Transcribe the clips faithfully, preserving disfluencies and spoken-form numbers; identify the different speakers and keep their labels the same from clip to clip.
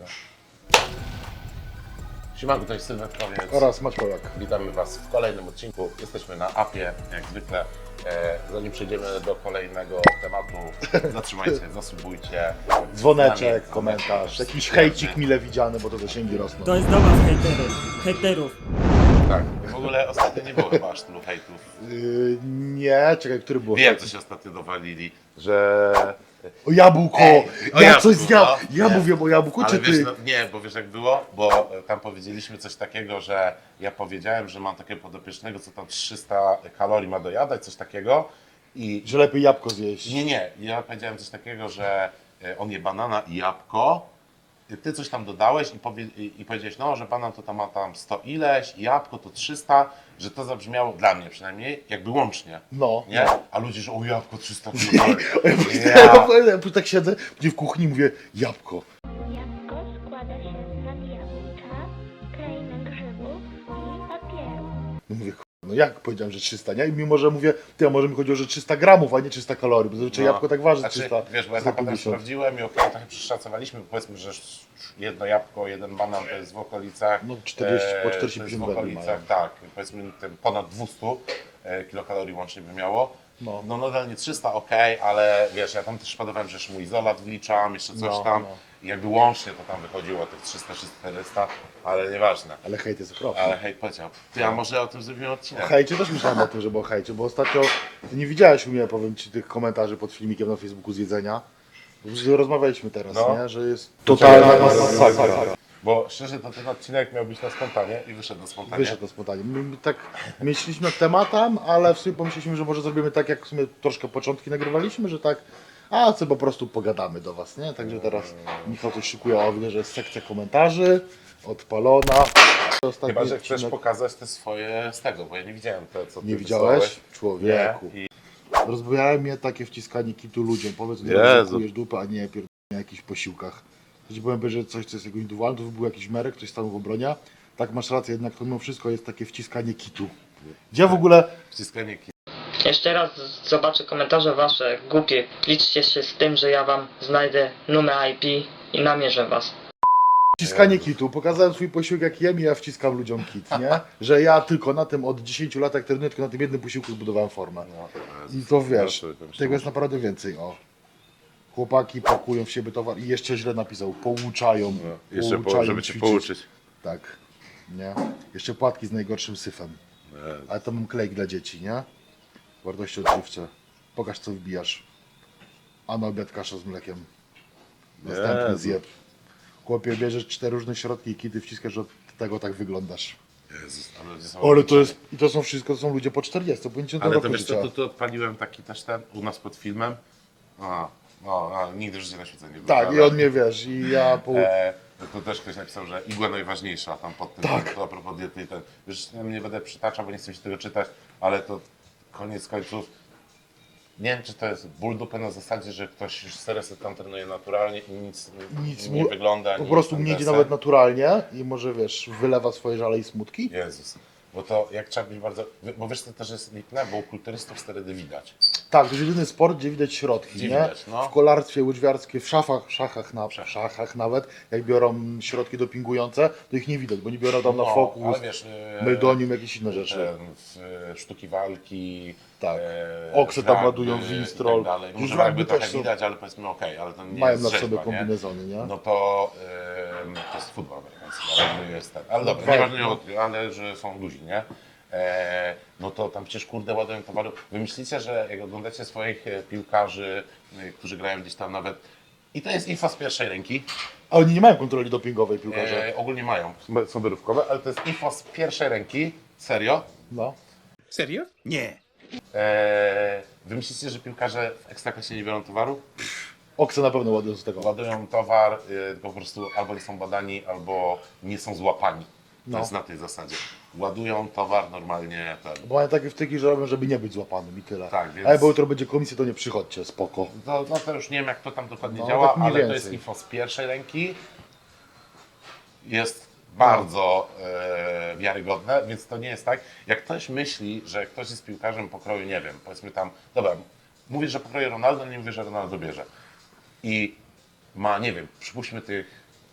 Speaker 1: Siemanko, to jest Sylwestrowiec
Speaker 2: Oraz Maćkołak.
Speaker 1: Witamy Was w kolejnym odcinku. Jesteśmy na apie, jak zwykle. E, zanim przejdziemy do kolejnego tematu, zatrzymajcie, zasubujcie.
Speaker 2: Dzwoneczek, komentarz, jakiś hejcik mile widziany, bo to zasięgi rosną.
Speaker 3: To jest do was hejtery, hejterów.
Speaker 1: Tak, w ogóle ostatnio nie było chyba aż tylu hejtów.
Speaker 2: Yy, nie, czekaj, który był?
Speaker 1: Wiem, co się ostatnio dowalili, że...
Speaker 2: O jabłko!
Speaker 1: Ej, o
Speaker 2: ja
Speaker 1: jabłku,
Speaker 2: coś zjadł!
Speaker 1: no.
Speaker 2: Ja
Speaker 1: Nie.
Speaker 2: mówię o jabłku,
Speaker 1: Ale
Speaker 2: czy
Speaker 1: wiesz,
Speaker 2: ty?
Speaker 1: no, nie, bo wiesz jak było? Bo e, tam powiedzieliśmy coś takiego, że ja powiedziałem, że mam takiego podopiecznego, co tam trzysta kalorii ma dojadać, coś takiego. I
Speaker 2: Że lepiej jabłko zjeść.
Speaker 1: nie, nie, ja powiedziałem coś takiego, że e, on je banana i jabłko. I Ty coś tam dodałeś i, powie, i, i powiedziałeś, no, że banan to tam ma tam sto ileś, i jabłko to trzysta, że to zabrzmiało dla mnie przynajmniej jakby łącznie.
Speaker 2: No.
Speaker 1: Nie? A ludzie, że o jabłko trzysta kilokalorii.
Speaker 2: Ja, ja, ja tak siedzę, gdzie w kuchni mówię jabłko.
Speaker 4: Jabłko składa się z nadjabłka, krainy grzybów i papieru.
Speaker 2: No mówię, k***, no jak powiedziałem, że trzysta, nie? I mimo, że mówię, ty, a może mi chodziło, że trzysta gramów, a nie trzysta kalorii, bo zazwyczaj
Speaker 1: No.
Speaker 2: jabłko tak waży
Speaker 1: Znaczy,
Speaker 2: trzysta.
Speaker 1: wiesz, bo ja tam potem
Speaker 2: pięćdziesiąt.
Speaker 1: sprawdziłem i okej, trochę przeszacowaliśmy, powiedzmy, że jedno jabłko, jeden banan to jest w okolicach...
Speaker 2: No, czterdzieści, po
Speaker 1: e,
Speaker 2: czterdzieści
Speaker 1: to jest
Speaker 2: pięć
Speaker 1: w
Speaker 2: węgli
Speaker 1: okolicach,
Speaker 2: mają.
Speaker 1: tak, powiedzmy ten ponad dwieście e, kilokalorii łącznie by miało.
Speaker 2: No.
Speaker 1: No nadal nie trzysta, okej, ale wiesz, ja tam też podawałem, że jeszcze mój izolat wliczam, jeszcze coś
Speaker 2: No,
Speaker 1: tam.
Speaker 2: no.
Speaker 1: I jakby łącznie to tam wychodziło tych trzysta czterysta, ale nieważne.
Speaker 2: Ale hejt jest okropny.
Speaker 1: Ale hej, powiedział. Ty, a może o tym zrobimy odcinek?
Speaker 2: O hejcie też myślałem o tym, żeby o hejcie, bo ostatnio ty nie widziałeś u mnie, powiem ci, tych komentarzy pod filmikiem na Facebooku z jedzenia. Bo już rozmawialiśmy teraz,
Speaker 1: No.
Speaker 2: nie? Że jest totalna masakra.
Speaker 1: Bo szczerze, to ten odcinek miał być na spontanie i wyszedł na spontanie.
Speaker 2: Wyszedł na spontanie. My, my tak myśleliśmy tematem, ale w sumie pomyśleliśmy, że może zrobimy tak, jak w sumie troszkę początki nagrywaliśmy, że tak, a co po prostu pogadamy do was, nie? Także teraz Michał coś szykuje, o widzę, że jest sekcja komentarzy, odpalona. Ostatni
Speaker 1: Chyba, że chcesz
Speaker 2: odcinek-
Speaker 1: pokazać te swoje z tego, bo ja nie widziałem te, co ty
Speaker 2: Nie widziałeś?
Speaker 1: wysłałeś.
Speaker 2: Człowieku.
Speaker 1: Nie. I
Speaker 2: Rozbawiało mnie takie wciskanie kitu ludziom. Powiedz, że
Speaker 1: Jezu.
Speaker 2: zakujesz dupę, a nie pierdolę na jakichś posiłkach. Ja ci powiem, że coś, co jest jego indywidualne, to był jakiś merek, ktoś stanął w obronie. Tak, masz rację, jednak to mimo wszystko jest takie wciskanie kitu. Gdzie w ogóle...
Speaker 1: wciskanie ki-
Speaker 5: Jeszcze raz zobaczę komentarze wasze głupie. Liczcie się z tym, że ja wam znajdę numer I P i namierzę was.
Speaker 2: Wciskanie kitu. Pokazałem swój posiłek jak jem i ja wciskam ludziom kit, nie? Że ja tylko na tym od dziesięciu lat jak trenuję, tylko na tym jednym posiłku zbudowałem formę.
Speaker 1: No,
Speaker 2: I to wiesz,
Speaker 1: Ja sobie pomyślałem.
Speaker 2: tego jest naprawdę więcej, o. Chłopaki pakują w siebie towar i jeszcze źle napisał, pouczają,
Speaker 1: No, jeszcze po,
Speaker 2: pouczają
Speaker 1: żeby cię
Speaker 2: ćwiczyć.
Speaker 1: pouczyć.
Speaker 2: Tak, nie? Jeszcze płatki z najgorszym syfem.
Speaker 1: Jezu.
Speaker 2: Ale to mam klejk dla dzieci, nie? Wartości odżywcze. Pokaż co wbijasz. A na obiad kasza z mlekiem. Następny
Speaker 1: Jezu.
Speaker 2: zjeb. Chłopie, bierzesz cztery różne środki i kiedy wciskasz, od tego tak wyglądasz.
Speaker 1: Jezus, ale ludzie są
Speaker 2: Ale to jest, i to są wszystko, to są ludzie po czterdziestu, po pięćdziesiątym
Speaker 1: Ale to
Speaker 2: roku
Speaker 1: wiesz
Speaker 2: życia.
Speaker 1: co, tu, tu odpaliłem taki też ten, u nas pod filmem. A, no, a nigdy w życiu na świeceniu nie było.
Speaker 2: Tak, i
Speaker 1: ale-
Speaker 2: on mnie wiesz, i ja po...
Speaker 1: E, to też ktoś napisał, że igła najważniejsza tam pod tym,
Speaker 2: Tak.
Speaker 1: to a propos diety i ten. Już nie będę przytaczał, bo nie chcę mi się tego czytać, ale to koniec końców. Nie wiem, czy to jest ból dupy na zasadzie, że ktoś już serio sobie tam trenuje naturalnie i nic,
Speaker 2: Nic
Speaker 1: nie
Speaker 2: mu-
Speaker 1: wygląda.
Speaker 2: Po
Speaker 1: nic
Speaker 2: prostu
Speaker 1: tam
Speaker 2: nie idzie
Speaker 1: deser.
Speaker 2: nawet naturalnie i może wiesz, wylewa swoje żale i smutki.
Speaker 1: Jezus. Bo to jak trzeba być bardzo. Bo wiesz, to też jest lipne, bo u kulturystów sterydy widać.
Speaker 2: Tak, to jest jedyny sport, gdzie widać środki,
Speaker 1: Gdzie
Speaker 2: nie?
Speaker 1: widać, no.
Speaker 2: W kolarstwie, łyżwiarstwie, w szafach, szachach, na, w szachach nawet, jak biorą środki dopingujące, to ich nie widać, bo nie biorą tam na
Speaker 1: No,
Speaker 2: fokus,
Speaker 1: ale wiesz, e,
Speaker 2: meldonium, jakieś inne rzeczy.
Speaker 1: ten, w, e, sztuki walki.
Speaker 2: Tak.
Speaker 1: E,
Speaker 2: Okse tam
Speaker 1: rugby
Speaker 2: ładują,
Speaker 1: i
Speaker 2: winstrol.
Speaker 1: tak dalej.
Speaker 2: Już
Speaker 1: Może
Speaker 2: rugby
Speaker 1: jakby trochę
Speaker 2: też są-
Speaker 1: widać, ale powiedzmy okej, ale to nie
Speaker 2: Mają
Speaker 1: jest
Speaker 2: na
Speaker 1: rzeźba,
Speaker 2: sobie
Speaker 1: nie?
Speaker 2: kombinezony, nie?
Speaker 1: No to, em, to jest futbol amerykański, ale jest ten. Ale dobra,
Speaker 2: Dwa-
Speaker 1: nieważne, nie, ale że są luzi, nie? E, no to tam przecież kurde ładują towaru. Wy myślicie, że jak oglądacie swoich e, piłkarzy, e, którzy grają gdzieś tam nawet, i to jest info z pierwszej ręki,
Speaker 2: A oni nie mają kontroli dopingowej, piłkarze.
Speaker 1: e, ogólnie mają, są wyrywkowe, ale to jest info z pierwszej ręki, serio.
Speaker 2: No.
Speaker 3: Serio? Nie.
Speaker 1: E, wy myślicie, że piłkarze w Ekstraklasie nie biorą towaru?
Speaker 2: Okse na pewno ładują z tego.
Speaker 1: Ładują towar, y, tylko po prostu albo nie są badani, albo nie są złapani. To
Speaker 2: No.
Speaker 1: jest na tej zasadzie. Ładują towar normalnie. Ten.
Speaker 2: Bo mają takie wtyki, że robią, żeby nie być złapanym i tyle.
Speaker 1: Tak, więc-
Speaker 2: Ale bo jutro będzie komisja, to nie przychodźcie, spoko.
Speaker 1: No, no to już nie wiem, jak to tam dokładnie
Speaker 2: No,
Speaker 1: działa,
Speaker 2: tak mniej
Speaker 1: ale to jest
Speaker 2: więcej.
Speaker 1: info z pierwszej ręki. Jest bardzo e, wiarygodne, więc to nie jest tak. Jak ktoś myśli, że ktoś jest piłkarzem pokroju, nie wiem, powiedzmy tam, dobra, mówię, że pokroju Ronaldo, nie mówię, że Ronaldo bierze. I ma, nie wiem, przypuśćmy tych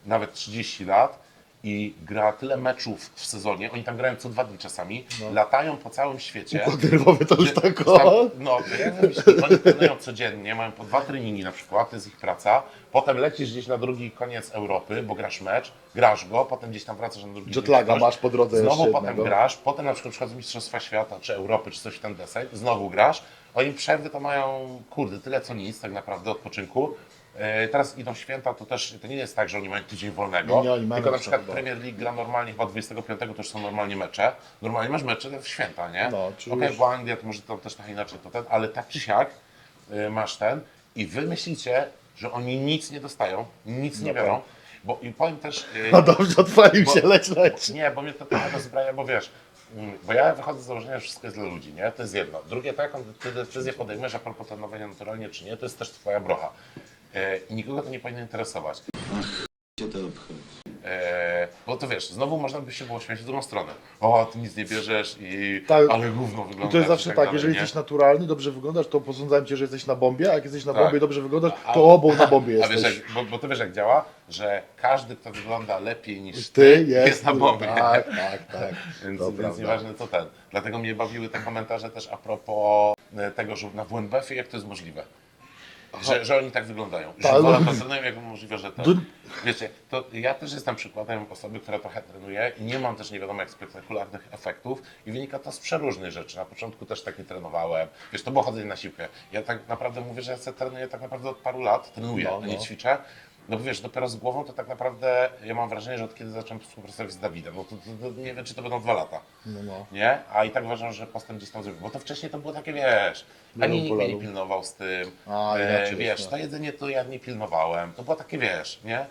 Speaker 1: nawet trzydzieści lat i gra tyle meczów w sezonie, oni tam grają co dwa dni czasami, latają po całym świecie.
Speaker 2: Układ nerwowy to już
Speaker 1: Że-
Speaker 2: tak
Speaker 1: tam-
Speaker 2: o.
Speaker 1: No, to jak myślisz, oni trenują codziennie, mają po dwa treningi na przykład, to jest ich praca, potem lecisz gdzieś na drugi koniec Europy, bo grasz mecz, grasz go, potem gdzieś tam wracasz na drugi
Speaker 2: Jetlaga
Speaker 1: dzień,
Speaker 2: masz po drodze
Speaker 1: znowu
Speaker 2: jeszcze
Speaker 1: potem
Speaker 2: jednego.
Speaker 1: grasz, potem na przykład przychodzą Mistrzostwa Świata, czy Europy, czy coś w ten deseń, znowu grasz, oni przerwy to mają, kurde, tyle co nic tak naprawdę odpoczynku. E, Teraz idą święta, to też to nie jest tak, że oni mają tydzień wolnego,
Speaker 2: Nie, nie, oni mają
Speaker 1: tylko na
Speaker 2: na
Speaker 1: przykład
Speaker 2: przykład,
Speaker 1: Premier League gra normalnie chyba dwudziestego piątego, to już są normalnie mecze. Normalnie masz mecze w święta, nie?
Speaker 2: No,
Speaker 1: Okej,
Speaker 2: czy już-
Speaker 1: bo Anglia to może tam też trochę inaczej to ten, ale tak czy siak y, masz ten i wy myślicie, że oni nic nie dostają, nic nie
Speaker 2: No
Speaker 1: biorą,
Speaker 2: tak.
Speaker 1: bo i powiem też... y,
Speaker 2: No dobrze, odpalił
Speaker 1: Bo-
Speaker 2: się, leć, leć.
Speaker 1: Nie, bo mnie to trochę rozbraja, bo wiesz, mm, bo ja wychodzę z założenia, że wszystko jest dla ludzi, nie? To jest jedno. Drugie, to jaką ty decyzję podejmujesz a propos trenowania naturalnie czy nie, to jest też twoja brocha. E, I nikogo to nie powinno interesować.
Speaker 6: Cię to obchodzi.
Speaker 1: E, bo to wiesz, znowu można by się było śmiać w drugą stronę. O, ty nic nie bierzesz i
Speaker 2: Tak.
Speaker 1: ale gówno wygląda.
Speaker 2: I to jest zawsze tak,
Speaker 1: dalej,
Speaker 2: jeżeli
Speaker 1: nie?
Speaker 2: jesteś naturalny, dobrze wyglądasz, to posądzałem cię, że jesteś na bombie, a jak jesteś na
Speaker 1: Tak.
Speaker 2: bombie i dobrze wyglądasz,
Speaker 1: A-
Speaker 2: to obą na bombie
Speaker 1: A wiesz,
Speaker 2: jesteś.
Speaker 1: jak, bo, bo to wiesz jak działa, że każdy, kto wygląda lepiej niż
Speaker 2: Ty
Speaker 1: ty,
Speaker 2: jest,
Speaker 1: jest na bombie.
Speaker 2: Tak, tak, tak.
Speaker 1: Więc,
Speaker 2: To
Speaker 1: więc
Speaker 2: prawda.
Speaker 1: nieważne co ten. Dlatego mnie bawiły te komentarze też a propos e, tego, że na W N B F-ie jak to jest możliwe. Że, że oni tak wyglądają. Że
Speaker 2: Tak,
Speaker 1: wolę
Speaker 2: no.
Speaker 1: to trenują, jak możliwe, że to.
Speaker 2: Du-
Speaker 1: Wiecie, to ja też jestem przykładem osoby, która trochę trenuje i nie mam też nie wiadomo jak spektakularnych efektów i wynika to z przeróżnych rzeczy. Na początku też tak nie trenowałem. Wiesz, to było chodzenie na siłkę. Ja tak naprawdę mówię, że ja sobie trenuję tak naprawdę od paru lat, trenuję,
Speaker 2: No,
Speaker 1: a nie
Speaker 2: no.
Speaker 1: ćwiczę. No bo wiesz, dopiero z głową to tak naprawdę ja mam wrażenie, że od kiedy zacząłem współpracować z Dawidem, no to, to, to nie wiem, czy to będą dwa lata.
Speaker 2: No, no.
Speaker 1: Nie? A i tak uważam, że postęp gdzieś tam zrobił. Bo to wcześniej to było takie, wiesz, ani nikt mnie nie
Speaker 2: polaru.
Speaker 1: pilnował z tym.
Speaker 2: A,
Speaker 1: e,
Speaker 2: inaczej
Speaker 1: wiesz,
Speaker 2: jest,
Speaker 1: to jedzenie to ja nie pilnowałem. To było takie, wiesz, nie?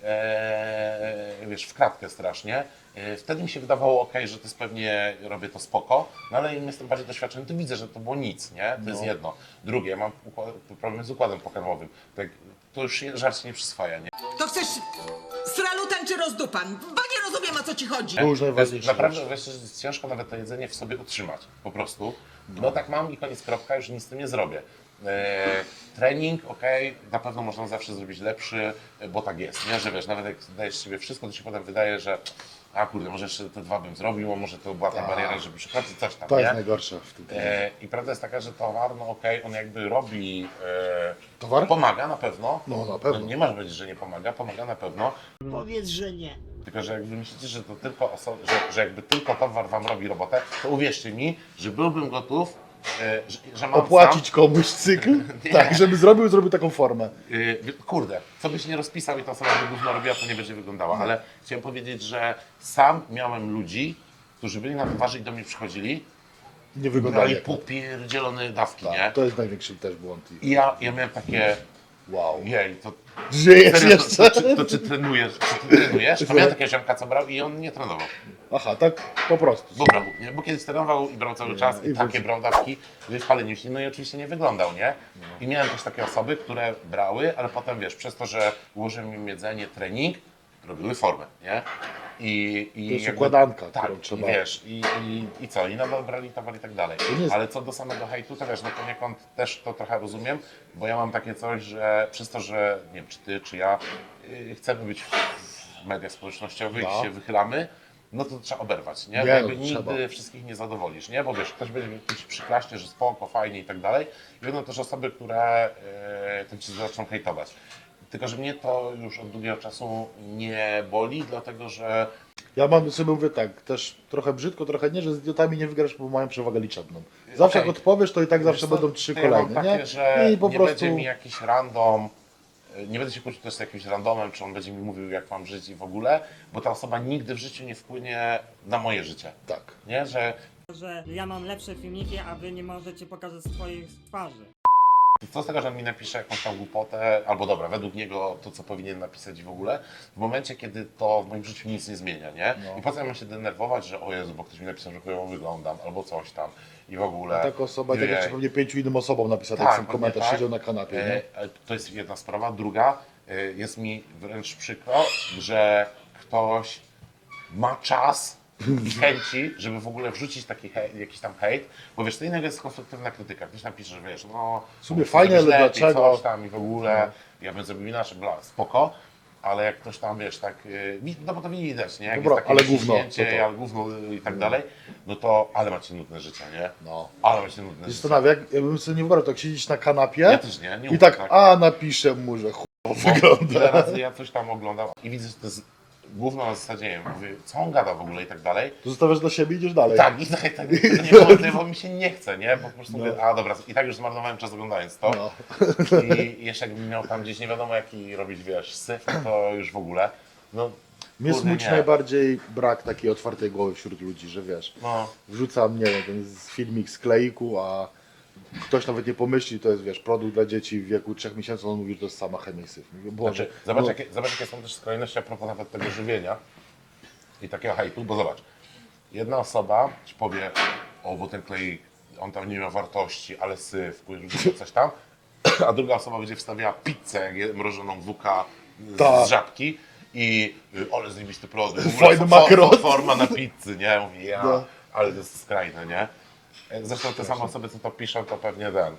Speaker 1: E, wiesz, w kratkę strasznie. E, wtedy mi się wydawało, ok, że to jest pewnie, robię to spoko, no ale im jestem bardziej doświadczony, to widzę, że to było nic, nie? To jest
Speaker 2: No.
Speaker 1: jedno. Drugie, ja mam układ, problem z układem pokarmowym. Tak, to już się- żart się nie przyswaja, nie?
Speaker 7: To chcesz sralutan czy rozdupan? Bo nie rozumiem, o co ci chodzi.
Speaker 2: To już
Speaker 1: To jest
Speaker 2: najważniejsze.
Speaker 1: naprawdę wiesz, że jest ciężko nawet to jedzenie w sobie utrzymać, po prostu. No tak mam i koniec kropka, już nic z tym nie zrobię. E, trening, okej, na pewno można zawsze zrobić lepszy, bo tak jest, nie? Że wiesz, nawet jak dajesz z siebie wszystko, to się potem wydaje, że a kurde, może jeszcze te dwa bym zrobił, a może to była ta
Speaker 2: Tak.
Speaker 1: bariera, żeby przychodzić, coś tam,
Speaker 2: To jest
Speaker 1: nie?
Speaker 2: najgorsze w tym.
Speaker 1: E, I prawda jest taka, że towar, no okej, on jakby robi, e,
Speaker 2: Towar?
Speaker 1: pomaga na pewno.
Speaker 2: No, na pewno.
Speaker 1: Nie masz powiedzieć, że nie pomaga, pomaga na pewno.
Speaker 3: Powiedz, że nie.
Speaker 1: Tylko, że jakby myślicie, że to tylko oso- że, że jakby tylko towar wam robi robotę, to uwierzcie mi, że byłbym gotów, e, że, że mam
Speaker 2: Opłacić komuś cykl,
Speaker 1: Nie.
Speaker 2: tak, żeby zrobił, zrobił taką formę.
Speaker 1: sam, e, kurde, co byś nie rozpisał i ta osoba by gówno robiła, to nie będzie wyglądała, ale chciałem powiedzieć, że sam miałem ludzi, którzy byli na towarze i do mnie przychodzili,
Speaker 2: Nie wyglądali
Speaker 1: brali
Speaker 2: jak
Speaker 1: popierdzielone dawki, nie?
Speaker 2: tak, to jest największy też błąd.
Speaker 1: I ja, ja miałem takie,
Speaker 2: Wow.
Speaker 1: jej, to
Speaker 2: Żyjesz
Speaker 1: serio, to,
Speaker 2: jeszcze?
Speaker 1: to, czy, to czy trenujesz, czy ty trenujesz? A miałem takiego ziomka, co brał i on nie trenował.
Speaker 2: Aha, tak po prostu.
Speaker 1: Bo brał, nie? Bo kiedyś trenował i brał cały czas i,
Speaker 2: i
Speaker 1: takie
Speaker 2: wrócił.
Speaker 1: brał dawki, wypalenie się, no i oczywiście nie wyglądał, nie? I miałem też takie osoby, które brały, ale potem wiesz, przez to, że ułożyłem im jedzenie, trening, robiły formę, nie? I, i
Speaker 2: To jest
Speaker 1: jakby-
Speaker 2: układanka,
Speaker 1: tak,
Speaker 2: którą trzeba-
Speaker 1: i wiesz, i, i, i co, i nadal brali towar i tak dalej.
Speaker 2: nie jest-
Speaker 1: Ale co do samego hejtu, to wiesz, no poniekąd też to trochę rozumiem, bo ja mam takie coś, że przez to, że nie wiem, czy ty, czy ja yy, chcemy być w mediach społecznościowych
Speaker 2: No.
Speaker 1: i się wychylamy, no to trzeba oberwać, nie?
Speaker 2: Nie,
Speaker 1: Bo jakby
Speaker 2: no,
Speaker 1: nigdy
Speaker 2: trzeba.
Speaker 1: wszystkich nie zadowolisz, nie? Bo wiesz, ktoś będzie ci przyklaśnie, że spoko, fajnie i tak dalej. I będą też osoby, które yy, tym ci zaczną hejtować. Tylko, że mnie to już od długiego czasu nie boli, dlatego że
Speaker 2: Ja mam sobie mówię tak, też trochę brzydko, trochę nie, że z idiotami nie wygrasz, bo mają przewagę liczebną. Zawsze
Speaker 1: Okej.
Speaker 2: jak odpowiesz, to i tak zawsze
Speaker 1: Wiesz co,
Speaker 2: będą trzy
Speaker 1: to ja mam
Speaker 2: kolejne,
Speaker 1: takie,
Speaker 2: nie?
Speaker 1: że
Speaker 2: I po
Speaker 1: nie
Speaker 2: prostu
Speaker 1: będzie mi jakiś random, y, nie będę się kłócił też z jakimś randomem, czy on będzie mi mówił, jak mam żyć i w ogóle, bo ta osoba nigdy w życiu nie wpłynie na moje życie.
Speaker 2: tak.
Speaker 1: Nie, że
Speaker 3: Że ja mam lepsze filmiki, a wy nie możecie pokazać swoich twarzy.
Speaker 1: co z tego, że on mi napisze jakąś tam głupotę, albo dobra, według niego to, co powinien napisać w ogóle, w momencie, kiedy to w moim życiu nic nie zmienia, nie?
Speaker 2: No.
Speaker 1: I po co ja mam się denerwować, że o Jezu, bo ktoś mi napisał, że chujowo wyglądam, albo coś tam i w ogóle.
Speaker 2: Taka osoba, tak
Speaker 1: Ojej.
Speaker 2: jeszcze pewnie pięciu innym osobom napisał
Speaker 1: Tak,
Speaker 2: tak, ten
Speaker 1: pewnie
Speaker 2: komentarz,
Speaker 1: tak.
Speaker 2: siedział na kanapie, nie?
Speaker 1: E, e, To jest jedna sprawa. Druga, e, jest mi wręcz przykro, że ktoś ma czas i chęci, żeby w ogóle wrzucić taki hej, jakiś tam hejt, bo wiesz, to innego jest konstruktywna krytyka. Ktoś napisze, że wiesz, no...
Speaker 2: W sumie
Speaker 1: mógł
Speaker 2: fajnie,
Speaker 1: zrobić
Speaker 2: ale
Speaker 1: lepiej,
Speaker 2: dlaczego?
Speaker 1: Coś tam i w ogóle, ja bym zrobił inaczej, bla, spoko. ale jak ktoś tam, wiesz, tak, yy, wi- no bo to widać, nie? Jak
Speaker 2: Dobra,
Speaker 1: jest takie
Speaker 2: ale gówno,
Speaker 1: wyciśnięcie,
Speaker 2: to to.
Speaker 1: ale gówno i tak dalej, no to, ale macie nudne życie, nie?
Speaker 2: No.
Speaker 1: Ale macie nudne życie.
Speaker 2: Zastanawia, jak, ja bym sobie nie wyobrażał, tak siedzieć na kanapie
Speaker 1: Ja też nie, nie
Speaker 2: i
Speaker 1: umiem,
Speaker 2: tak, a napiszę mu, że chuj
Speaker 1: Bo
Speaker 2: wygląda.
Speaker 1: ile razy ja coś tam oglądam i widzę, że to jest gówno na zasadzie, nie wiem, mówię, co on gada w ogóle i tak dalej.
Speaker 2: To zostawiasz dla siebie i idziesz dalej.
Speaker 1: Tak, i tak, tak to nie było, bo mi się nie chce, nie? Bo po prostu
Speaker 2: No.
Speaker 1: mówię, a dobra, i tak już zmarnowałem czas oglądając to.
Speaker 2: No.
Speaker 1: I jeszcze jakbym miał tam gdzieś nie wiadomo jaki robić, wiesz, syf, no to już w ogóle, no
Speaker 2: Mnie
Speaker 1: kurde,
Speaker 2: smuci
Speaker 1: nie.
Speaker 2: najbardziej brak takiej otwartej głowy wśród ludzi, że wiesz,
Speaker 1: No,
Speaker 2: wrzucam, nie wiem, ten z- filmik z kleiku, a ktoś nawet nie pomyśli, to jest, wiesz, produkt dla dzieci w wieku trzech miesięcy, on mówi, że to jest sama chemia i syf. Mówię, Boże,
Speaker 1: znaczy, zobacz,
Speaker 2: no,
Speaker 1: jakie, zobacz jakie są też skrajności a propos nawet tego żywienia i takiego hejtu, bo zobacz, jedna osoba ci powie, o, bo ten klej, on tam nie ma wartości, ale syf, kurde, coś tam, a druga osoba będzie wstawiała pizzę, jak je- mrożoną W K z,
Speaker 2: Tak.
Speaker 1: z żabki i y, ale zajebisty produkt, w
Speaker 2: Fajny
Speaker 1: ogóle fo-
Speaker 2: makaron.
Speaker 1: fo- forma na pizzy, nie? Mówi, ja,
Speaker 2: No.
Speaker 1: ale to jest skrajne, nie? Zresztą te same osoby, co to piszą, to pewnie ten,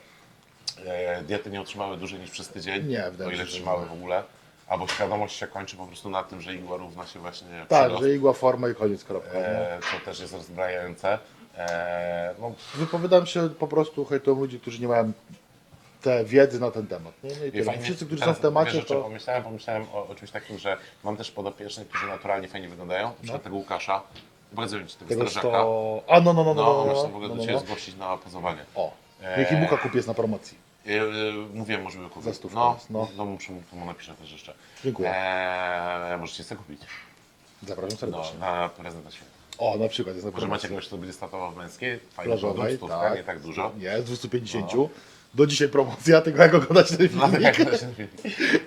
Speaker 1: e, diety nie utrzymały dłużej niż przez tydzień,
Speaker 2: Nie,
Speaker 1: o
Speaker 2: wydaje mi
Speaker 1: ile
Speaker 2: się, że
Speaker 1: trzymały
Speaker 2: nie.
Speaker 1: w ogóle, albo świadomość się kończy po prostu na tym, że igła równa się właśnie
Speaker 2: tak,
Speaker 1: przyrost.
Speaker 2: że igła, forma i koniec, kropka. nie?
Speaker 1: E, to też jest rozbrajające. E, no,
Speaker 2: Wypowiadam się po prostu hejtuję ludzi, którzy nie mają te wiedzy na ten temat. Nie? No i tyle.
Speaker 1: fajnie-
Speaker 2: Wszyscy, którzy są
Speaker 1: teraz
Speaker 2: w temacie,
Speaker 1: wiesz, o czym
Speaker 2: to...
Speaker 1: pomyślałem, pomyślałem o, o czymś takim, że mam też podopiecznych, którzy naturalnie fajnie wyglądają, na przykład tego Łukasza, pokazuję ci tego,
Speaker 2: Tego
Speaker 1: strażaka.
Speaker 2: to... A, no, no, no, no,
Speaker 1: No,
Speaker 2: no,
Speaker 1: on
Speaker 2: no,
Speaker 1: się w ogóle
Speaker 2: no,
Speaker 1: do
Speaker 2: no,
Speaker 1: Ciebie
Speaker 2: no.
Speaker 1: zgłosić na pozowanie.
Speaker 2: O,
Speaker 1: E,
Speaker 2: niech i Buka kupi jest na promocji.
Speaker 1: Yy, yy, mówiłem, może by kupić.
Speaker 2: Za stówkę
Speaker 1: no,
Speaker 2: jest, no.
Speaker 1: no muszę mu, to mu napiszę też jeszcze.
Speaker 2: Dziękuję.
Speaker 1: Eee, możecie sobie kupić.
Speaker 2: Zapraszam
Speaker 1: No,
Speaker 2: serdecznie.
Speaker 1: na prezent na święta.
Speaker 2: O, na przykład jest na
Speaker 1: Może
Speaker 2: promocji.
Speaker 1: macie kogoś, kto będzie startował w męskiej, fajny produkt,
Speaker 2: Plażowej,
Speaker 1: stówka,
Speaker 2: tak.
Speaker 1: nie tak dużo.
Speaker 2: Nie, z dwieście pięćdziesiąt. Do dzisiaj promocja, tylko jak oglądać ten
Speaker 1: No,
Speaker 2: filmik.
Speaker 1: tak, to się mówi.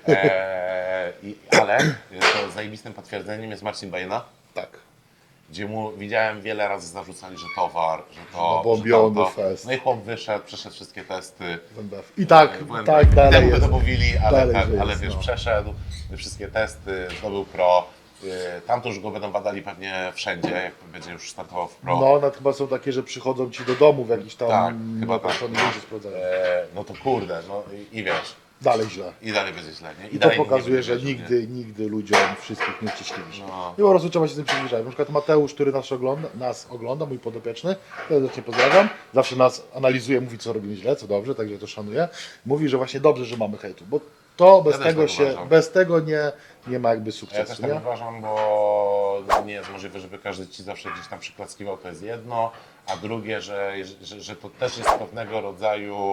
Speaker 1: eee, i, ale to zajebistym potwierdzeniem jest Marcin Bajena,
Speaker 2: Tak.
Speaker 1: gdzie mu widziałem wiele razy zarzucali, że towar, że to,
Speaker 2: No, bombiony
Speaker 1: że tamto.
Speaker 2: fest.
Speaker 1: No i chłop wyszedł, przeszedł wszystkie testy.
Speaker 2: I tak,
Speaker 1: Błędy.
Speaker 2: tak, dalej
Speaker 1: Temu
Speaker 2: jest.
Speaker 1: to mówili, ale,
Speaker 2: Dalej,
Speaker 1: tak,
Speaker 2: że
Speaker 1: ale
Speaker 2: jest,
Speaker 1: wiesz,
Speaker 2: no.
Speaker 1: przeszedł wszystkie testy, zdobył pro. Yy, Tam to już go będą badali pewnie wszędzie, jak będzie już startował w pro.
Speaker 2: No, one chyba są takie, że przychodzą ci do domu w jakiś tam
Speaker 1: Tak, chyba tak.
Speaker 2: nieokreślony ludzie sprawdzają.
Speaker 1: E, no to kurde, no i, i wiesz,
Speaker 2: Dalej źle.
Speaker 1: i dalej będzie źle, nie?
Speaker 2: I to
Speaker 1: dalej nikt
Speaker 2: pokazuje,
Speaker 1: nie
Speaker 2: że
Speaker 1: będzie wierzył,
Speaker 2: nigdy, nigdy ludziom wszystkich nie uściśliwisz.
Speaker 1: No.
Speaker 2: I po prostu trzeba się z tym przybliżać. Na przykład Mateusz, który nas ogląda, nas ogląda, mój podopieczny, serdecznie pozdrawiam, zawsze nas analizuje, mówi co robimy źle, co dobrze, także to szanuję. Mówi, że właśnie dobrze, że mamy hejtu, bo to bez
Speaker 1: Ja też
Speaker 2: tego
Speaker 1: tak
Speaker 2: się,
Speaker 1: uważam.
Speaker 2: bez tego nie, nie ma jakby
Speaker 1: Ja też
Speaker 2: sukcesu,
Speaker 1: tak
Speaker 2: nie?
Speaker 1: uważam, bo no nie jest możliwe, żeby każdy ci zawsze gdzieś tam przyklaskiwał, to jest jedno, a drugie, że, że, że to też jest pewnego rodzaju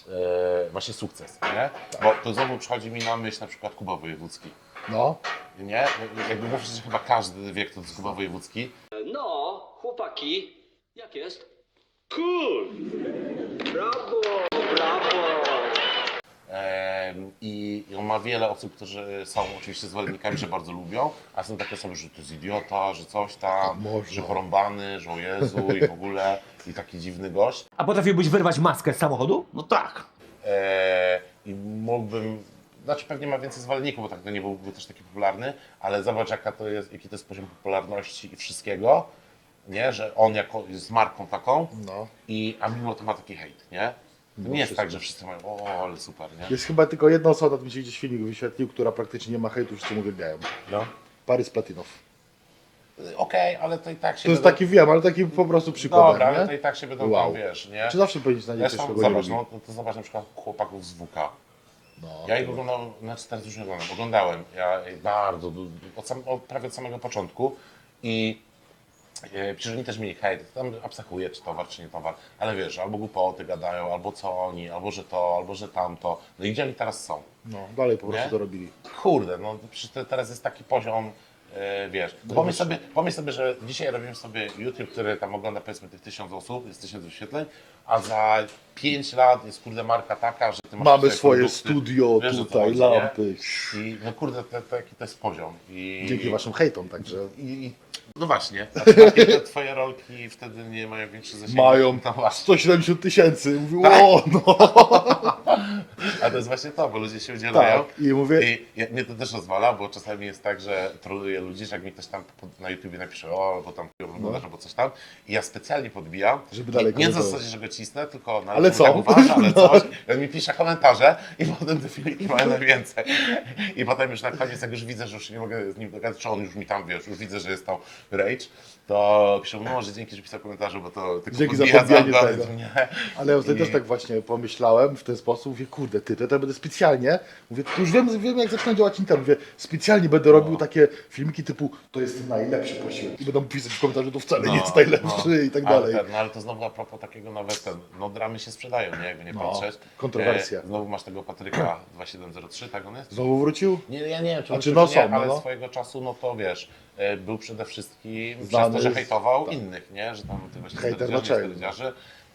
Speaker 1: e, właśnie sukces, nie? Bo to znowu przychodzi mi na myśl na przykład Kuba Wojewódzki,
Speaker 2: No,
Speaker 1: nie? Jakby mówisz, że chyba każdy wie, kto to jest Kuba Wojewódzki.
Speaker 8: No, chłopaki, jak jest? Cool! Brawo, brawo!
Speaker 1: Em, I i on ma wiele osób, którzy są oczywiście zwolennikami, że bardzo lubią, a są takie osoby, że to jest idiota, że coś tam,
Speaker 2: Można.
Speaker 1: że porąbany, że o Jezu i w ogóle i taki dziwny gość.
Speaker 9: A potrafiłbyś wyrwać maskę z samochodu?
Speaker 1: No tak. E, I mógłbym, znaczy pewnie ma więcej zwolenników, bo tak to nie byłby też taki popularny, ale zobacz jaka to jest, jaki to jest poziom popularności i wszystkiego, nie? Że on jako jest marką taką,
Speaker 2: no.
Speaker 1: i, a mimo to ma taki hejt, nie? To nie jest tak, że wszyscy mają, o, ale super, nie?
Speaker 2: Jest chyba tylko jedna osoba, mi się gdzieś filmik wyświetlił, która praktycznie nie ma hejtu, wszyscy mu uwielbiają.
Speaker 1: No.
Speaker 2: Paris Platinow.
Speaker 1: Okej, ale to i tak się
Speaker 2: To jest
Speaker 1: będą-
Speaker 2: taki, wiem, ale taki po prostu przykład,
Speaker 1: Dobra, ale to
Speaker 2: nie?
Speaker 1: i tak się będą
Speaker 2: Wow.
Speaker 1: tam, wiesz, nie?
Speaker 2: Czy zawsze powinien znaleźć coś,
Speaker 1: Zresztą
Speaker 2: kogo nie
Speaker 1: zobacz,
Speaker 2: lubi?
Speaker 1: no, to, to zobacz na przykład chłopaków z W K.
Speaker 2: No,
Speaker 1: Ja ich
Speaker 2: to-
Speaker 1: oglądałem, znaczy teraz już nie oglądam, oglądałem, ja bardzo, du- od, sam, od prawie od samego początku i e, przecież oni też mieli hejt, tam abstrahuję, czy towar, czy nie towar, ale wiesz, albo głupoty gadają, albo co oni, albo że to, albo że tamto, no i gdzie oni teraz są?
Speaker 2: No, dalej po prostu
Speaker 1: Nie?
Speaker 2: to robili.
Speaker 1: Kurde, no przecież te- teraz jest taki poziom, e, wiesz, no pomyśl sobie, pomyśl sobie, że dzisiaj robimy sobie YouTube, który tam ogląda powiedzmy tych tysiąc osób, jest tysiąc wyświetleń, a za pięć lat jest kurde marka taka, że ty masz
Speaker 2: Mamy
Speaker 1: tutaj
Speaker 2: swoje
Speaker 1: produkty,
Speaker 2: studio
Speaker 1: wiesz, o co
Speaker 2: tutaj,
Speaker 1: chodzi, nie?
Speaker 2: lampy.
Speaker 1: I no kurde, to, to, jaki to jest poziom. I,
Speaker 2: Dzięki waszym hejtom, także
Speaker 1: I, i, no właśnie, a takie te twoje rolki wtedy nie mają większy zasięg.
Speaker 2: mają
Speaker 1: No właśnie.
Speaker 2: sto siedemdziesiąt tysięcy. Mówił, o no.
Speaker 1: A to jest właśnie to, bo ludzie się udzielają.
Speaker 2: Tak, i mówię,
Speaker 1: I ja, mnie to też rozwala, bo czasami jest tak, że troluję ludzi, że jak mi ktoś tam pod- na YouTubie napisze, o, bo tam wyglądasz, albo coś tam, i ja specjalnie podbijam,
Speaker 2: No. Żeby dalej
Speaker 1: nie, nie na
Speaker 2: komentować.
Speaker 1: zasadzie, że go cisnę, tylko na
Speaker 2: Ale
Speaker 1: czym
Speaker 2: co?
Speaker 1: tak uważa, ale
Speaker 2: No.
Speaker 1: coś, i on mi pisze komentarze i potem te filmiki mają najwięcej. I potem już na koniec, jak już widzę, że już nie mogę z nim dogadać, czy on już mi tam, wiesz, już widzę, że jest tam rage, to piszę, no może dzięki, że pisał komentarze, bo to tylko
Speaker 2: Dzięki za
Speaker 1: podbija
Speaker 2: podbijanie
Speaker 1: algorytm,
Speaker 2: tego.
Speaker 1: nie?
Speaker 2: ale ja ostatnio
Speaker 1: I-
Speaker 2: też tak właśnie pomyślałem w ten sposób, mówię, kurde, ty, to ja będę specjalnie, mówię, już wiem, wiem jak zaczyna działać internet, mówię, specjalnie będę robił
Speaker 1: No.
Speaker 2: takie filmiki typu, to jest najlepszy posiłek i będą pisać w komentarzu, to wcale
Speaker 1: No,
Speaker 2: nie jest najlepszy
Speaker 1: no.
Speaker 2: i tak
Speaker 1: Ale
Speaker 2: dalej.
Speaker 1: ten, no ale to znowu a propos takiego nawet ten, no dramy się sprzedają, nie? Jakby nie
Speaker 2: No,
Speaker 1: patrzeć.
Speaker 2: kontrowersja.
Speaker 1: E, znowu masz tego Patryka dwa siedem zero trzy, tak on jest?
Speaker 2: Znowu wrócił?
Speaker 1: Nie, ja nie wiem, czy on
Speaker 2: Znaczy,
Speaker 1: czy
Speaker 2: no
Speaker 1: nie,
Speaker 2: są, no,
Speaker 1: ale
Speaker 2: no.
Speaker 1: swojego czasu, no to wiesz, e, był przede wszystkim
Speaker 2: Znany
Speaker 1: przez to, że
Speaker 2: z-
Speaker 1: hejtował
Speaker 2: tak.
Speaker 1: innych, nie? Że tam tych właśnie
Speaker 2: Hejter
Speaker 1: sterydziarzy,
Speaker 2: naczelny.
Speaker 1: sterydziarzy.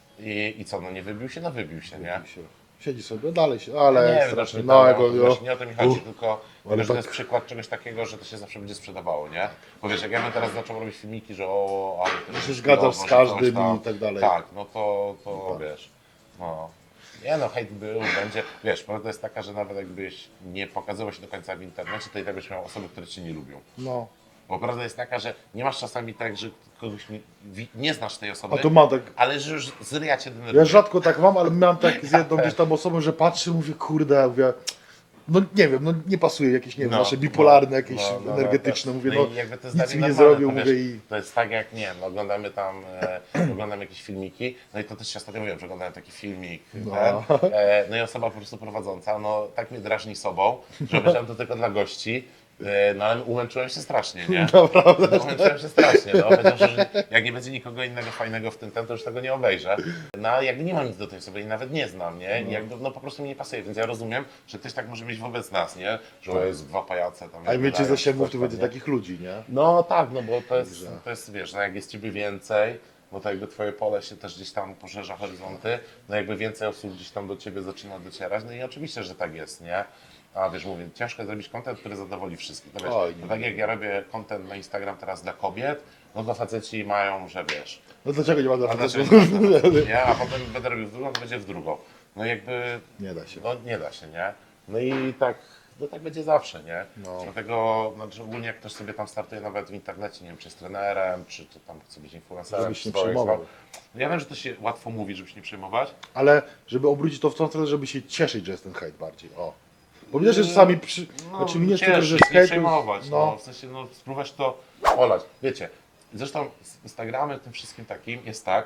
Speaker 1: I, I co, no nie wybił się? No wybił się, nie?
Speaker 2: Siedzi sobie, dalej się, ale
Speaker 1: nie wiem,
Speaker 2: strasznie,
Speaker 1: znaczy,
Speaker 2: no
Speaker 1: no,
Speaker 2: jego,
Speaker 1: wiesz, nie o to mi chodzi,
Speaker 2: Uff.
Speaker 1: tylko
Speaker 2: Ale
Speaker 1: wiesz, to
Speaker 2: tak-
Speaker 1: jest przykład czegoś takiego, że to się zawsze będzie sprzedawało, nie? Bo wiesz, jak ja bym teraz zaczął robić filmiki, że o, ale to
Speaker 2: Że się
Speaker 1: jest
Speaker 2: zgadzasz
Speaker 1: chujowo,
Speaker 2: z
Speaker 1: że
Speaker 2: każdym
Speaker 1: coś tam,
Speaker 2: i tak dalej.
Speaker 1: Tak, no to, to
Speaker 2: No tak.
Speaker 1: wiesz, no. Nie no, hejt był, będzie, wiesz, prawda jest taka, że nawet jakbyś nie pokazywał się do końca w internecie, to i tak byś miał osoby, które cię nie lubią.
Speaker 2: no.
Speaker 1: Bo prawda jest taka, że nie masz czasami tak, że kogoś nie, wi- nie znasz tej osoby,
Speaker 2: A to mam tak,
Speaker 1: ale że już z ryja cię
Speaker 2: ja
Speaker 1: denerwuje.
Speaker 2: rzadko tak mam, ale miałem tak z jedną gdzieś tam osobą, że patrzę, mówię, kurde, mówię, no nie wiem, no nie pasuje jakieś, nie wiem,
Speaker 1: No,
Speaker 2: nasze bipolarne,
Speaker 1: no,
Speaker 2: jakieś
Speaker 1: no, no,
Speaker 2: energetyczne,
Speaker 1: no,
Speaker 2: mówię,
Speaker 1: no
Speaker 2: no,
Speaker 1: i jakby to jest
Speaker 2: nic
Speaker 1: dla
Speaker 2: mi
Speaker 1: mnie
Speaker 2: nie
Speaker 1: normalne,
Speaker 2: zrobił,
Speaker 1: to
Speaker 2: mówię
Speaker 1: wiesz,
Speaker 2: i...
Speaker 1: To jest tak jak, nie wiem, no, oglądamy tam, e, oglądamy jakieś filmiki, no i to też się ostatnio mówiłem, że oglądałem taki filmik,
Speaker 2: No.
Speaker 1: ten, e, no i osoba po prostu prowadząca, no tak mnie drażni sobą, że obejrzałem to tylko dla gości, e, no ale umęczyłem się strasznie, nie?
Speaker 2: Naprawdę.
Speaker 1: No, umęczyłem się strasznie, no, powiedział, że jak nie będzie nikogo innego fajnego w tym ten, to już tego nie obejrzę. No ale jakby nie mam nic do tej osoby i nawet nie znam, nie? I jakby, no po prostu mi nie pasuje, więc ja rozumiem, że ktoś tak może mieć wobec nas, nie? Że o jest dwa pajace tam.
Speaker 2: A więcej
Speaker 1: gadają,
Speaker 2: zasięgów
Speaker 1: coś
Speaker 2: tu
Speaker 1: tam,
Speaker 2: będzie
Speaker 1: nie?
Speaker 2: takich ludzi, nie?
Speaker 1: No tak, no bo to jest,
Speaker 2: Także.
Speaker 1: to jest wiesz, no jak jest ciebie więcej, no to jakby twoje pole się też gdzieś tam poszerza horyzonty, no jakby więcej osób gdzieś tam do ciebie zaczyna docierać, no i oczywiście, że tak jest, nie? A wiesz, mówię, ciężko jest zrobić content, który zadowoli wszystkich. No wiesz,
Speaker 2: Oj, nie
Speaker 1: to tak jak ja robię content na Instagram teraz dla kobiet, no to faceci mają, że wiesz,
Speaker 2: No dlaczego nie ma dla
Speaker 1: a
Speaker 2: facetów?
Speaker 1: dlaczego nie, nie, a potem będę robił w drugą, to będzie w drugą. No jakby,
Speaker 2: Nie da się.
Speaker 1: no nie da się, nie? No i tak, no tak będzie zawsze, nie?
Speaker 2: No.
Speaker 1: Dlatego, znaczy ogólnie jak ktoś sobie tam startuje nawet w internecie, nie wiem, czy jest trenerem, czy to tam chce być influencerem,
Speaker 2: Żebyś
Speaker 1: czy
Speaker 2: nie
Speaker 1: swoje-
Speaker 2: przejmował.
Speaker 1: No ja wiem, że to się łatwo mówi, żeby się nie przejmować.
Speaker 2: Ale żeby obrócić to w tą stronę, żeby się cieszyć, że jest ten hejt bardziej, o. Bo widać, że czasami przy... znaczy mi nie jest tylko, że
Speaker 1: cieszyć,
Speaker 2: z
Speaker 1: nie
Speaker 2: hejtu...
Speaker 1: przejmować, no.
Speaker 2: no.
Speaker 1: W sensie, no spróbować to olać. Wiecie, zresztą z Instagramem, tym wszystkim takim jest tak,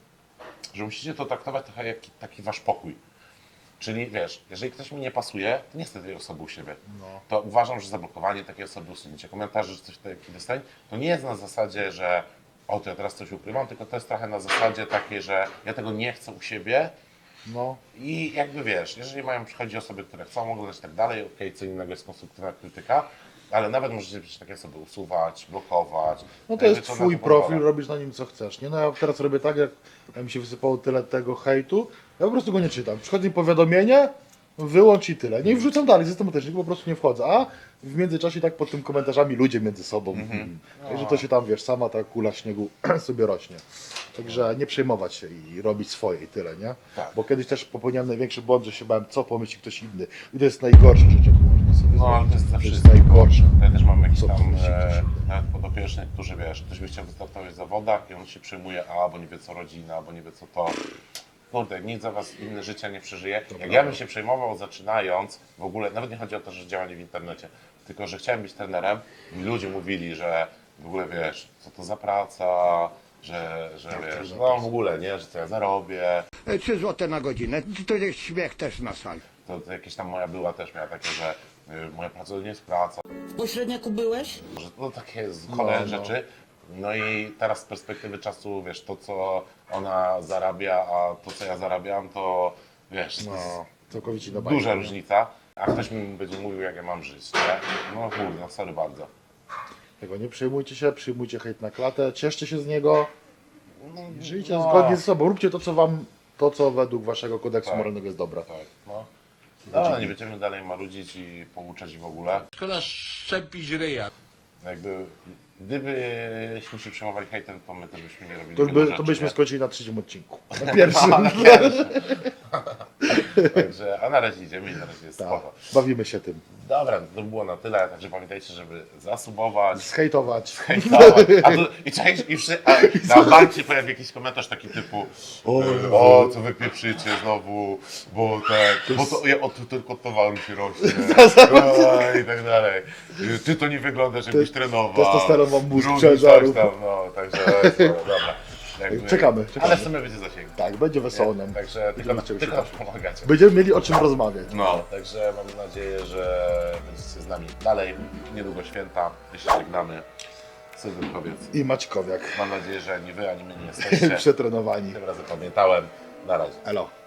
Speaker 1: że musicie to traktować trochę jak taki wasz pokój. Czyli wiesz, jeżeli ktoś mi nie pasuje, to nie chcę tej osoby u siebie.
Speaker 2: No.
Speaker 1: To uważam, że zablokowanie takiej osoby, usunięcie komentarzy, czy coś takiego dostań, to nie jest na zasadzie, że o, to ja teraz coś ukrywam, tylko to jest trochę na zasadzie takiej, że ja tego nie chcę u siebie
Speaker 2: No.
Speaker 1: i jakby wiesz, jeżeli mają przychodzić osoby, które chcą oglądać i tak dalej, okej, co innego jest konstruktywna krytyka, ale nawet możecie przecież takie osoby usuwać, blokować.
Speaker 2: No to
Speaker 1: jakby
Speaker 2: jest
Speaker 1: na
Speaker 2: twój
Speaker 1: pozwala.
Speaker 2: profil, robisz na nim co chcesz, nie? No ja teraz robię tak, jak jak mi się wysypało tyle tego hejtu, ja po prostu go nie czytam. Przychodzi mi powiadomienie, wyłącz i tyle. Nie i wrzucam dalej, systematycznie, po prostu nie wchodzę. A w międzyczasie tak pod tym komentarzami ludzie między sobą.
Speaker 1: Mhm.
Speaker 2: Także to się tam, wiesz, sama ta kula śniegu sobie rośnie. Także nie przejmować się i robić swoje i tyle, nie?
Speaker 1: Tak.
Speaker 2: Bo kiedyś też popełniałem największy błąd, że się bałem, co pomyśli ktoś inny. I to jest najgorsza rzecz, jaką można sobie
Speaker 1: No, ale
Speaker 2: zrobić.
Speaker 1: to jest za
Speaker 2: To jest
Speaker 1: wszystko.
Speaker 2: najgorsze.
Speaker 1: Ja też mam jakiś
Speaker 2: Co
Speaker 1: tam
Speaker 2: pomyśli ktoś
Speaker 1: e,
Speaker 2: inny.
Speaker 1: nawet podopiecznych, którzy wiesz, ktoś by chciał wystartować w zawodach i on się przejmuje, a bo nie wie co rodzina, bo nie wie co to. Kurde, nic za was inne życia nie przeżyje. Jak
Speaker 2: prawda.
Speaker 1: ja bym się przejmował zaczynając, w ogóle, nawet nie chodzi o to, że działanie w internecie, tylko że chciałem być trenerem i ludzie mówili, że w ogóle wiesz, co to za praca, że, że wiesz, no w ogóle, nie, że co ja zarobię.
Speaker 10: trzy złote na godzinę, to jest śmiech też na sali.
Speaker 1: To, to jakieś tam moja była też miała takie, że y, moja praca to nie jest praca,
Speaker 7: W pośredniaku byłeś?
Speaker 1: że no takie cholerne
Speaker 2: no.
Speaker 1: rzeczy. No i teraz z perspektywy czasu, wiesz, to co ona zarabia, a to co ja zarabiam, to wiesz, to jest
Speaker 2: No, całkowicie inna
Speaker 1: duża
Speaker 2: bajka, nie?
Speaker 1: różnica. A ktoś mi będzie mówił, jak ja mam żyć, nie? No kurde, no sorry bardzo.
Speaker 2: Tego nie przejmujcie się, przyjmujcie hejt na klatę, cieszcie się z niego, żyjcie
Speaker 1: no.
Speaker 2: zgodnie ze sobą, róbcie to, co wam, to, co według waszego kodeksu
Speaker 1: Tak.
Speaker 2: moralnego jest dobre.
Speaker 1: Tak, no. No, nie będziemy dalej marudzić i pouczać i w ogóle.
Speaker 10: Szkoda szczepić ryja.
Speaker 1: Jakby, gdybyśmy się przejmowali hejtem, to my też byśmy nie robili
Speaker 2: To,
Speaker 1: wielu
Speaker 2: by,
Speaker 1: rzeczy,
Speaker 2: to byśmy
Speaker 1: nie?
Speaker 2: skończyli na trzecim odcinku. Na pierwszym.
Speaker 1: No, na pierwszym. Także, a na razie idziemy i na razie jest
Speaker 2: Tak,
Speaker 1: spoko.
Speaker 2: bawimy się tym.
Speaker 1: Dobra, to było na tyle, także pamiętajcie, żeby zasubować,
Speaker 2: Zhejtować.
Speaker 1: hejtować. A tu, i, czaisz, i przy, a na bank się pojawi jakiś komentarz taki typu
Speaker 2: O,
Speaker 1: o, co wy pieprzycie znowu, bo tak, bo to, ja, o, tu tylko towaru się rośnie, o, i tak dalej. Ty to nie wyglądasz jakbyś trenował.
Speaker 2: Testosteron wam mózg
Speaker 1: Drugi
Speaker 2: przeżarł.
Speaker 1: coś tam, no, także no, dobra. Jakby,
Speaker 2: Czekamy, czekamy.
Speaker 1: Ale w sumie będzie zasięg.
Speaker 2: Tak, będzie wesoło nam.
Speaker 1: Także tylko,
Speaker 2: Będziemy
Speaker 1: tylko
Speaker 2: się
Speaker 1: nam pomagacie.
Speaker 2: Będziemy mieli o czym rozmawiać.
Speaker 1: No, także mam nadzieję, że będziecie z nami dalej. Niedługo święta, my się żegnamy. Sylwynkowiec.
Speaker 2: I Maćkowiak.
Speaker 1: Mam nadzieję, że ani wy, ani my nie jesteście.
Speaker 2: Przetrenowani.
Speaker 1: Tym razem pamiętałem. Na razie.
Speaker 2: Elo.